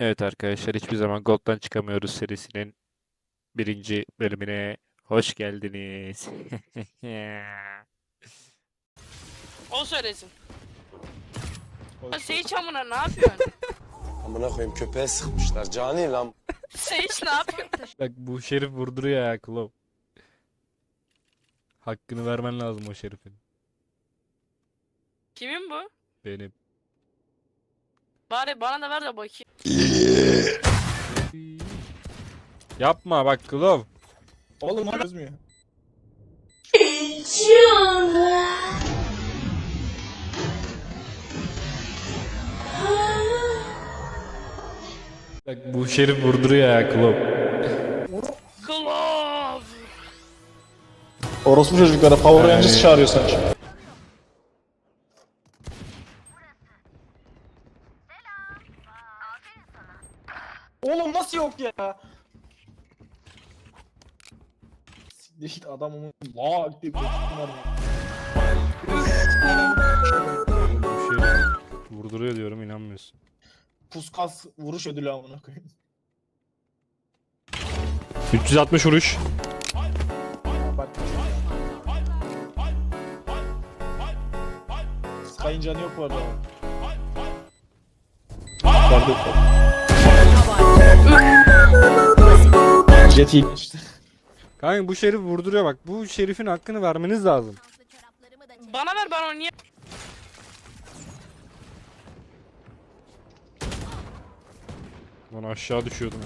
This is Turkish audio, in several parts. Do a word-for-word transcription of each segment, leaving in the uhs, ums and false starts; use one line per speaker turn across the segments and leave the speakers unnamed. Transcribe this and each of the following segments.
Evet arkadaşlar, hiçbir zaman Gold'dan çıkamıyoruz serisinin birinci bölümüne hoş geldiniz.
O söylesin. Ya
Hoş
Sage amına ne yapıyorsun?
Amına koyayım köpeğe sıkmışlar. Cani lan.
Sage ne yapıyor?
Bak, bu şerif vurduruyor ya Klov. Hakkını vermen lazım o şerifin.
Kimin bu?
Benim.
Bari bana da ver de bakayım.
Yapma bak Klov.
Oğlum o çözmüyor.
Bak, bu şerif vurduruyor ya Klov.
Glove.
Orospu çocuklara Power Rangers çağırıyor sanki. Oğlum nasıl yok ya? Siktir git adamımın laa diye bir teklifim var ya.
Bu şerif vurduruyor diyorum, inanmıyorsun.
Puskas vuruş ödülü amına koyayım.
üç yüz altmış vuruş.
Bak. Sky'ın canı yok bu arada. Jet iyi işte.
Kanka, bu şerif vurduruyor bak. Bu şerifin hakkını vermeniz lazım.
Bana ver, ben onu niye?
Lan aşağı düşüyordum.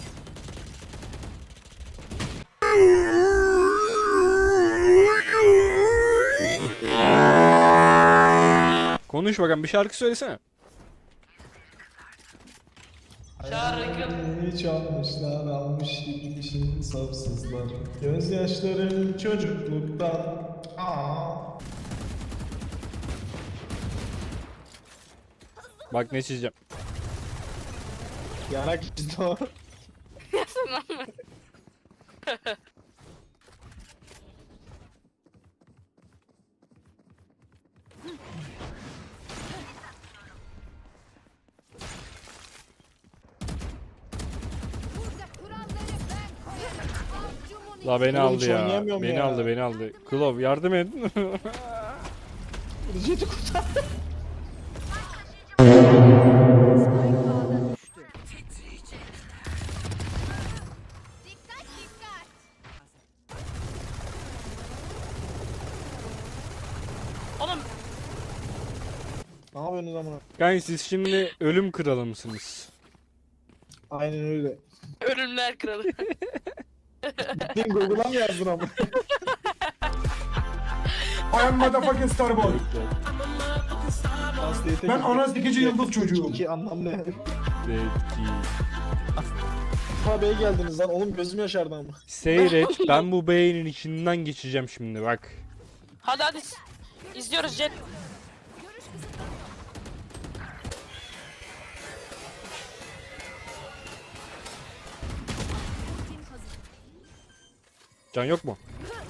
Konuş bakalım, bir şarkı söylesene.
Şarkı.
Hiç almışlar almış gitmişin sapsızlar. Gözyaşlarım çocukluktan. Aa.
Bak ne çizeceğim.
Yarak işte o.
La beni
Oğlum,
aldı
hiç
ya.
oynayamıyorum
Beni
ya.
aldı, beni aldı. Klov yardım et.
Jet'i kurtar.
Oğlum
Ne yapıyorsunuz amına?
Kanka, siz şimdi ölüm kralı mısınız?
Aynen öyle.
ölümler kralı.
Gittin Google'a mı yazdın ama?
I am motherfucking Starboy. Ben ana sikici yıldız çocuğuyum.
İki anlam ne?
Zeki.
Ha B'ye geldiniz lan oğlum gözüm yaşardı ama.
Seyret, ben bu beynin içinden geçeceğim şimdi bak.
Hadi hadi. İzliyoruz Jet.
Can yok mu?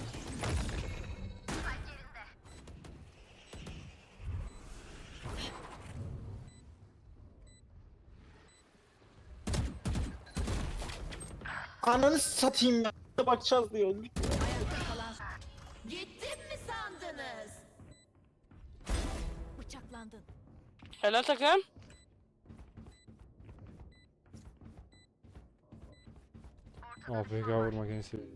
Ananı satayım ya. Bakacağız diyor.
Gittim mi sandınız? Bıçaklandın.
Helal takım.
A F K vurmak en sevdiğim.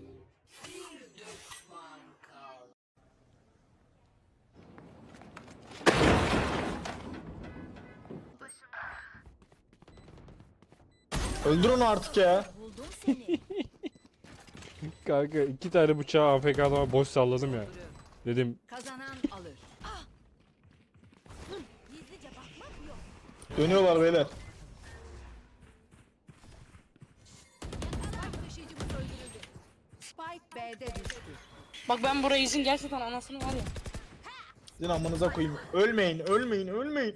Öldür onu artık ya.
Buldum seni.
Kanka, iki tane bıçağı A F K adama boş salladım ya. Dedim
Kazanan alır. Ah! Hı, gizlice bakmak yok.
Dönüyorlar beyler.
Spike taşıyıcımız öldürüldü. Spike B'de düştü.
Bak ben burayı izin gerçekten anasını var ya.
Sizin amanıza koyayım. Ölmeyin, ölmeyin, ölmeyin.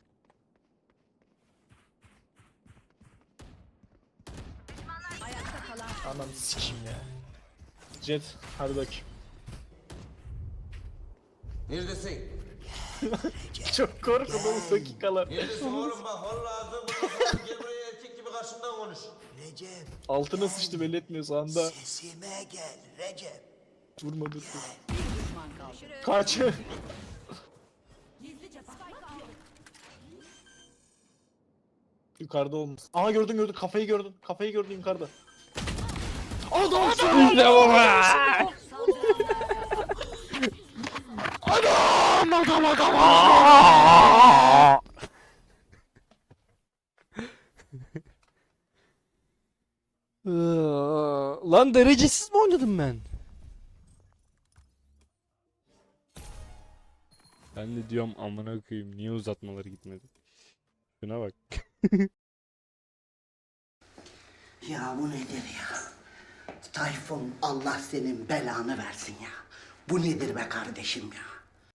Ayakta kalan
Anam sikeyim ya. Jet, hadi bakayım.
Neredesin?
Çok korkudum dakikalar.
Neredesin oğlum bak vallahi ağzını gel buraya erkek gibi
Recep,
Altına sıçtı belli etmiyor sağında.
sesime gel Recep.
Vurma dur.
Düşman kaldı.
Kaç.
Gizlice bakmak yok.
Yukarıda olmuş. Aha gördün gördün kafayı gördün. Kafayı gördün yukarıda.
İşte bu be!
Adam adam adam.
Aa! Lan derecesiz mi oynadım ben? Ben de diyorum amına koyayım niye uzatmaları gitmedi? Şuna bak.
Ya bu nedir ya? Tayfun Allah senin belanı versin ya. Bu nedir be kardeşim ya?